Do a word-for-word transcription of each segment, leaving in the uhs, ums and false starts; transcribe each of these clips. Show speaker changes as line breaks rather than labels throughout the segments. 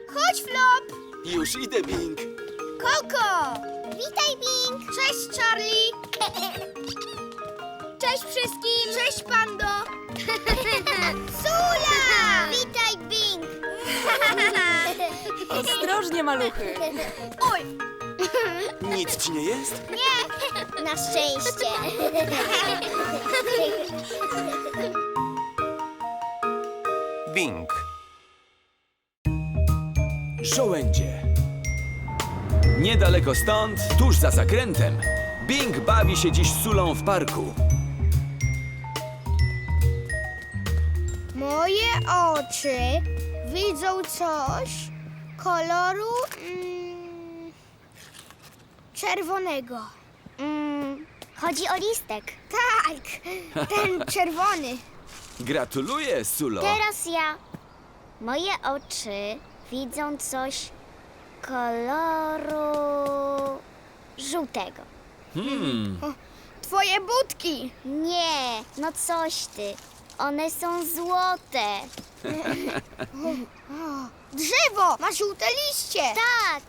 Chodź, Flop!
Już idę, Bing.
Koko! Witaj, Bing! Cześć, Charlie! Cześć wszystkim! Cześć, Pando! Sula! Witaj, Bing!
Ostrożnie, maluchy.
Oj!
Nic ci nie jest?
Nie! Na szczęście!
Bing.
Żołędzie. Niedaleko stąd, tuż za zakrętem, Bing bawi się dziś z Sulą w parku.
Moje oczy widzą coś koloru mm, czerwonego.
Mm, chodzi o listek.
Tak, ten czerwony.
Gratuluję, Sulo.
Teraz ja. Moje oczy widzą coś koloru żółtego.
Hmm,
Twoje budki.
Nie, no coś ty. One są złote.
Drzewo ma żółte liście.
Tak.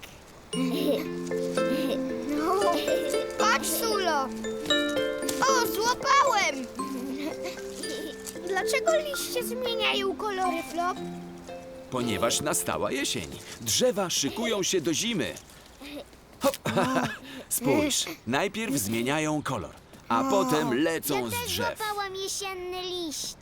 No, patrz, Sulo. O, złapałem. Dlaczego liście zmieniają kolory, Flop?
ponieważ nastała jesień. Drzewa szykują się do zimy. Hop. Spójrz, najpierw zmieniają kolor, a potem lecą
Ja
z
też
drzew.
złapałam jesienny liść.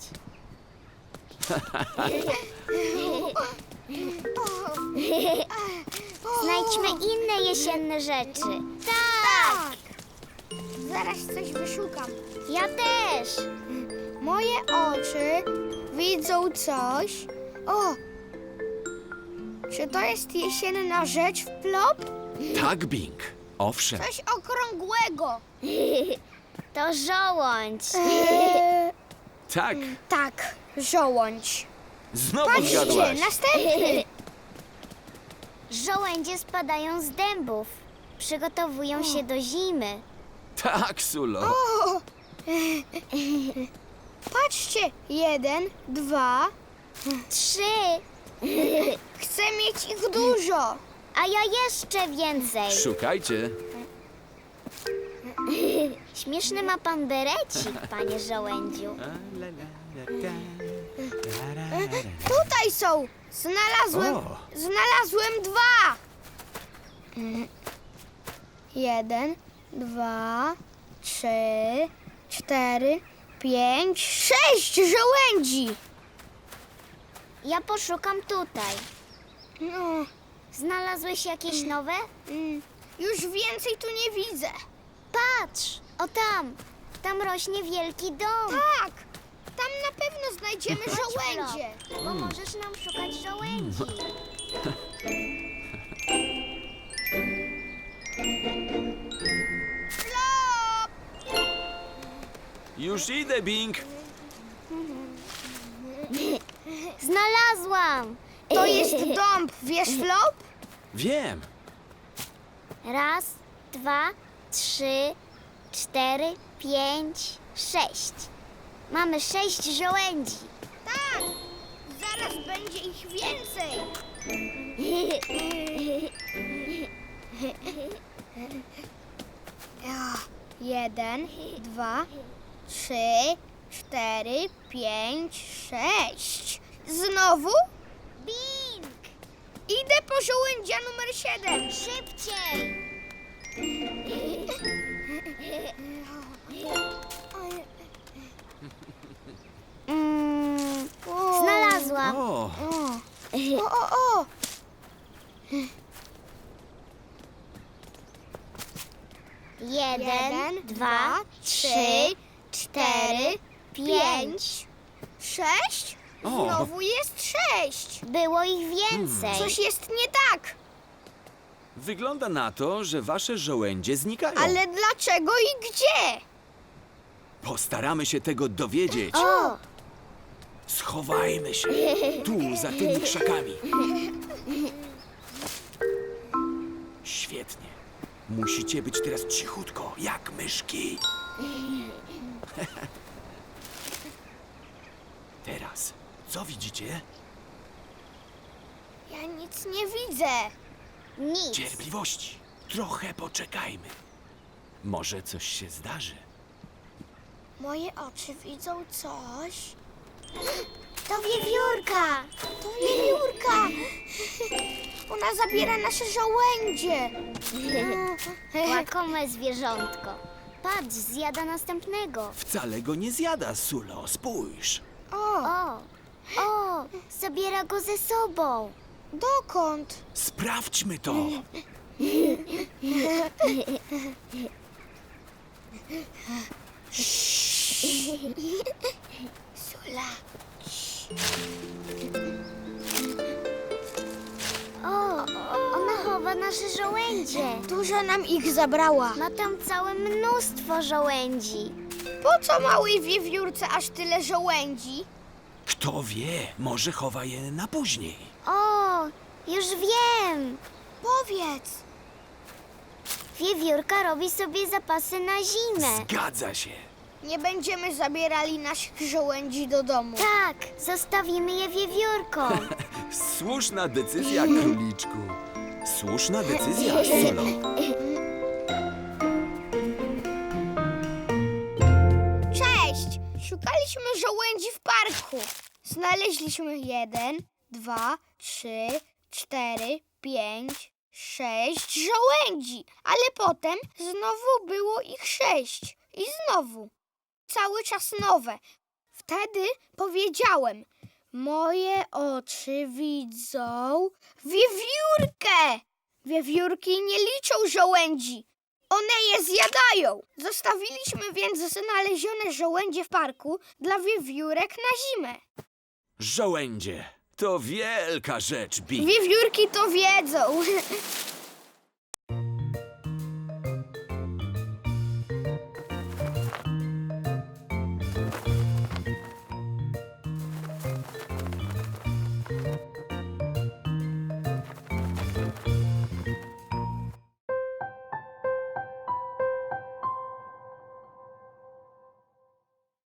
Znajdźmy inne jesienne rzeczy. Tak,
Zaraz coś wyszukam.
ja też.
Moje oczy widzą coś. O! Czy to jest jesienna rzecz, Flop?
Tak, Bing. Owszem.
Coś okrągłego.
To żołądź.
Eee,
Tak.
tak, żołądź.
Znowu
Patrzcie,
zgadłaś.
następny.
Żołędzie spadają z dębów. Przygotowują się do zimy.
Tak, Sulo.
O! Patrzcie, jeden, dwa.
Trzy,
Chcę mieć ich dużo.
a ja jeszcze więcej.
Szukajcie.
Śmieszny ma pan berecik, panie żołędziu.
Tutaj są. Znalazłem,
O.
znalazłem dwa. Jeden, dwa, trzy, cztery, pięć, sześć żołędzi.
Ja poszukam tutaj.
No,
Znalazłeś jakieś nowe?
mm, już więcej tu nie widzę.
Patrz, o tam. Tam rośnie wielki dom.
Tak, tam na pewno znajdziemy żołędzie.
Flop, bo możesz nam szukać żołędzi.
Flop!
Już idę, Bing.
Znalazłam.
To jest dąb, wiesz, Flop?
Wiem.
Raz, dwa, trzy, cztery, pięć, sześć. Mamy sześć żołędzi.
Tak, zaraz będzie ich więcej. Jeden, dwa, trzy, cztery, pięć, sześć. Znowu?
Bing!
Idę po żołędzia numer siedem.
Szybciej! Mm,
O,
znalazłam.
O,
O, o, o, o.
Jeden, dwa, trzy, cztery, pięć.
Sześć?
O.
Znowu jest sześć.
Było ich więcej.
Coś jest nie tak.
wygląda na to, że wasze żołędzie znikają.
Ale dlaczego i gdzie?
Postaramy się tego dowiedzieć.
O,
Schowajmy się tu, za tymi krzakami. Świetnie. Musicie być teraz cichutko, jak myszki. Teraz, co widzicie?
Ja Nic nie widzę.
Nic.
Cierpliwości. Trochę poczekajmy. Może coś się zdarzy.
Moje oczy widzą coś.
To wiewiórka.
To wiewiórka. Ona zabiera nasze żołędzie.
Łakome zwierzątko. Patrz, zjada następnego.
Wcale go nie zjada, Sulo. Spójrz.
O,
O, o, zabiera go ze sobą.
dokąd?
Sprawdźmy to.
Sula.
O, ona chowa nasze żołędzie.
Dużo nam ich zabrała.
Ma tam całe mnóstwo żołędzi.
Po co małej wiewiórce aż tyle żołędzi?
Kto wie, może chowa je na później.
O, już wiem.
Powiedz.
Wiewiórka robi sobie zapasy na zimę.
Zgadza się.
Nie będziemy zabierali naszych żołędzi do domu.
Tak, zostawimy je wiewiórkom.
Słuszna decyzja, króliczku. Słuszna decyzja, Sulo.
Cześć! Szukaliśmy żołędzi w parku. Znaleźliśmy jeden, dwa, trzy, cztery, pięć, sześć żołędzi. Ale potem znowu było ich sześć. I znowu. Cały czas nowe. Wtedy powiedziałem, moje oczy widzą wiewiórkę. Wiewiórki nie liczą żołędzi. One je zjadają. Zostawiliśmy więc znalezione żołędzie w parku dla wiewiórek na zimę.
Żołędzie to wielka rzecz, Bing.
Wiewiórki to wiedzą.